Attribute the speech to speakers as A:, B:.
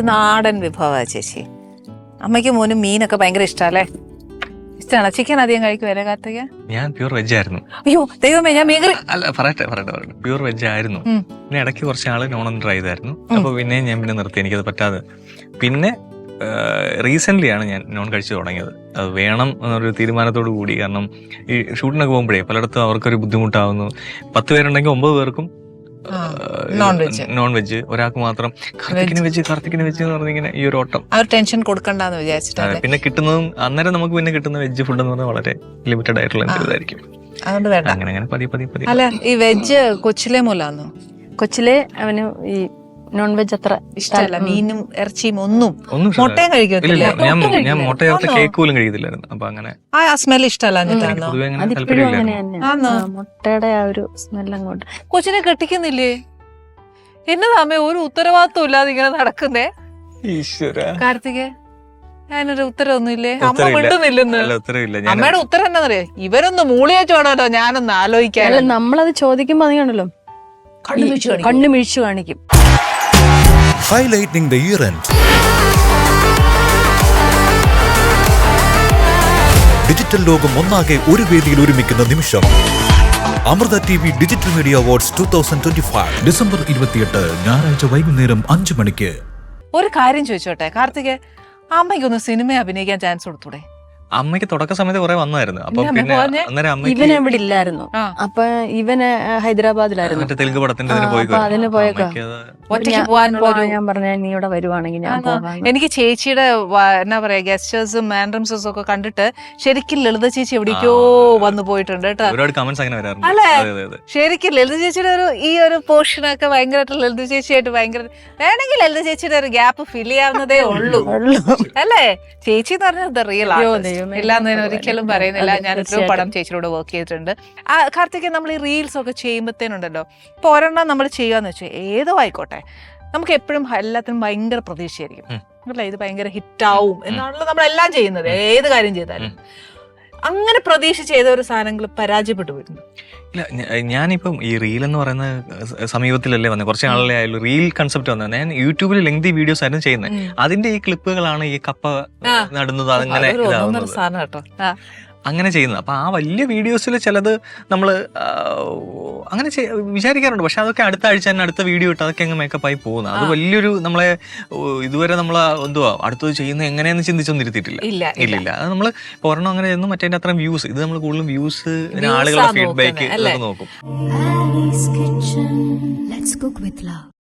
A: നാടൻ വിഭവമാണ് ചേച്ചി. അമ്മയ്ക്ക് മോനും മീനൊക്കെ ഭയങ്കര ഇഷ്ടമല്ലേ? ഇഷ്ടമാണോ? ചിക്കൻ അധികം കഴിക്കുമല്ലേ കാർത്തിക?
B: ഞാൻ പ്യൂർ വെജ് ആയിരുന്നു.
A: അയ്യോ ദൈവമേ, ഞാൻ മീൻകറി
B: അല്ല പറയട്ടെ പ്യൂർ വെജ് ആയിരുന്നു. പിന്നെ ഇടയ്ക്ക് കുറച്ച് നാള് നോൺ ട്രൈ ചെയ്തായിരുന്നു. അപ്പൊ പിന്നെ ഞാൻ നിർത്തി, എനിക്കത് പറ്റാതെ. പിന്നെ റീസെന്റ് ആണ് ഞാൻ നോൺ കഴിച്ചു തുടങ്ങിയത്. അത് വേണം എന്നൊരു തീരുമാനത്തോടു കൂടി. കാരണം ഈ ഷൂട്ടിനൊക്കെ പോകുമ്പോഴേ പലയിടത്തും അവർക്കൊരു ബുദ്ധിമുട്ടാവുന്നു. 10 പേരുണ്ടെങ്കിൽ 9 പേർക്കും നോൺ വെജ്, ഒരാൾക്ക് മാത്രം കാർത്തിക്കിന് വെച്ച് എന്ന് പറഞ്ഞിങ്ങനെ ഈ ഒരു ഓട്ടം.
A: ടെൻഷൻ കൊടുക്കണ്ടെന്ന് വിചാരിച്ചിട്ട്.
B: പിന്നെ കിട്ടുന്നതും അന്നേരം നമുക്ക് പിന്നെ കിട്ടുന്ന വെജ് ഫുഡ് എന്ന് പറഞ്ഞാൽ വളരെ ലിമിറ്റഡ് ആയിട്ടുള്ള ഇതായിരിക്കും. അങ്ങനെ പതി.
A: അല്ല, ഈ വെജ് കൊച്ചിലെ മൂലാന്നോ?
C: കൊച്ചിലെ അവന് ഈ നോൺ വെജ് അത്ര
A: ഇഷ്ടമല്ല, മീനും ഇറച്ചിയും ഒന്നും. മുട്ടയും കഴിക്കത്തില്ല.
B: ഞാൻ മുട്ട ചേർത്ത് കേക്ക് പോലും കഴിക്കത്തില്ലായിരുന്നു. അപ്പൊ അങ്ങനെ
A: ആ സ്മെൽ ഇഷ്ടമല്ല.
C: മുട്ടയുടെ ആ ഒരു സ്മെൽ അങ്ങോട്ട്.
A: കൊച്ചിനെ കെട്ടിക്കുന്നില്ലേ? എന്നതാമേ ഒരു ഉത്തരവാദിത്വം ഇല്ലാതെ ഇങ്ങനെ നടക്കുന്നേ? കാർത്തിക, ഞാനൊരു ഉത്തരവൊന്നുമില്ലേ? അമ്മ മിണ്ടുന്നില്ലെന്ന്. അമ്മയുടെ ഉത്തരം എന്നാന്നറിയാ? ഇവരൊന്ന് മൂളിയേച്ചു വേണമല്ലോ ഞാനൊന്ന് ആലോചിക്കാൻ.
C: നമ്മളത് ചോദിക്കുമ്പോ നീയാണല്ലോ കണ്ണു മിഴിച്ചു കാണിക്കും.
D: Highlighting the year end. Digital ലോകം ഒന്നാകെ ഒരു വേദിയിൽ ഒരുമിക്കുന്ന നിമിഷം. Amrita TV digital media awards 2025 December 28 ഞായറാഴ്ച വൈകുന്നേരം 5 മണിക്ക്.
A: ഒരു കാര്യം ചോദിച്ചോട്ടെ കാർത്തിക, അമ്മയ്ക്കൊന്ന് സിനിമ അഭിനയിക്കാൻ ചാൻസ് കൊടുത്തൂടെ?
B: അമ്മയ്ക്ക് തുടക്ക സമയത്ത് കുറെ വന്നായിരുന്നു. അപ്പൊ പിന്നെ അന്നേരം
C: ഇവൻ എവിടെ ഇല്ലായിരുന്നു. അപ്പൊ ഇവന് ഹൈദരാബാദിലായിരുന്നു.
B: തെലുങ്ക് പടത്തിന്റെ
C: അതിന് പോയേക്കോ. ഞാൻ പറഞ്ഞ നീ ഇവിടെ വരുവാണെങ്കിൽ ഞാൻ പോകാം.
A: എനിക്ക് ചേച്ചിയുടെ എന്നാ പറയാ ഗസ്റ്റേഴ്സും മാൻഡ്രംസും ഒക്കെ കണ്ടിട്ട് ശരിക്കും ലളിത ചേച്ചി എവിടേക്കോ വന്നു പോയിട്ടുണ്ട് കേട്ടോ. അല്ലേ? ശരിക്കും ലളിത ചേച്ചിയുടെ ഈ ഒരു പോർഷനൊക്കെ ഭയങ്കരമായിട്ട് ലളിത ചേച്ചിയായിട്ട് ഭയങ്കര വേണമെങ്കിൽ ലളിത ചേച്ചിയുടെ ഒരു ഗ്യാപ്പ് ഫിൽ ചെയ്യാവുന്നതേ ഉള്ളൂ അല്ലേ? ചേച്ചി എന്ന് പറഞ്ഞത് റിയൽ ആണ്, ഇല്ലാന്ന് ഞാൻ ഒരിക്കലും പറയുന്നില്ല. ഞാൻ എത്രയോ പടം ചേച്ചിയോട് വർക്ക് ചെയ്തിട്ടുണ്ട്. കാർത്തിക, നമ്മൾ ഈ റീൽസ് ഒക്കെ ചെയ്യുമ്പോഴത്തേനുണ്ടല്ലോ, ഇപ്പൊ ഒരെണ്ണം നമ്മൾ ചെയ്യാന്ന് വെച്ചാൽ ഏതോ ആയിക്കോട്ടെ, നമുക്ക് എപ്പോഴും എല്ലാത്തിനും ഭയങ്കര പ്രതീക്ഷയായിരിക്കും അല്ലേ? ഇത് ഭയങ്കര ഹിറ്റാവും എന്നാണല്ലോ നമ്മളെല്ലാം ചെയ്യുന്നത്, ഏത് കാര്യം ചെയ്താലും. അങ്ങനെ പ്രതീക്ഷ ചെയ്ത ഒരു സാധനങ്ങൾ പരാജയപ്പെട്ടു പോയിരുന്നു.
B: ഇല്ല, ഞാനിപ്പം ഈ റീൽ എന്ന് പറയുന്ന സമീപത്തിലല്ലേ വന്നത്, കുറച്ച് നാളെ ആയാലും റീൽ കൺസെപ്റ്റ് വന്നത്. ഞാൻ യൂട്യൂബിൽ ലെങ്തി വീഡിയോസ് ആയിരുന്നു ചെയ്യുന്നത്. അതിന്റെ ഈ ക്ലിപ്പുകളാണ് ഈ കപ്പ നടുന്നത്, അങ്ങനെ അങ്ങനെ ചെയ്യുന്നത്. അപ്പൊ ആ വലിയ വീഡിയോസിൽ ചിലത് നമ്മൾ അങ്ങനെ വിചാരിക്കാറുണ്ട്. പക്ഷെ അതൊക്കെ അടുത്ത ആഴ്ച തന്നെ അടുത്ത വീഡിയോ ഇട്ട് അതൊക്കെ അങ്ങ് മേക്കപ്പായി പോകുന്നത്. അത് വലിയൊരു നമ്മളെ ഇതുവരെ നമ്മൾ എന്തുവാ അടുത്തത് ചെയ്യുന്നത് എങ്ങനെയെന്ന് ചിന്തിച്ചൊന്നും ഇരുത്തിയിട്ടില്ല. ഇല്ല, അത് നമ്മൾ ഒരെണ്ണം അങ്ങനെ ചെയ്യുന്നു, മറ്റേ അത്രയും വ്യൂസ്. ഇത് നമ്മൾ കൂടുതലും വ്യൂസ്, ആളുകളുടെ ഫീഡ്ബാക്ക് നോക്കും.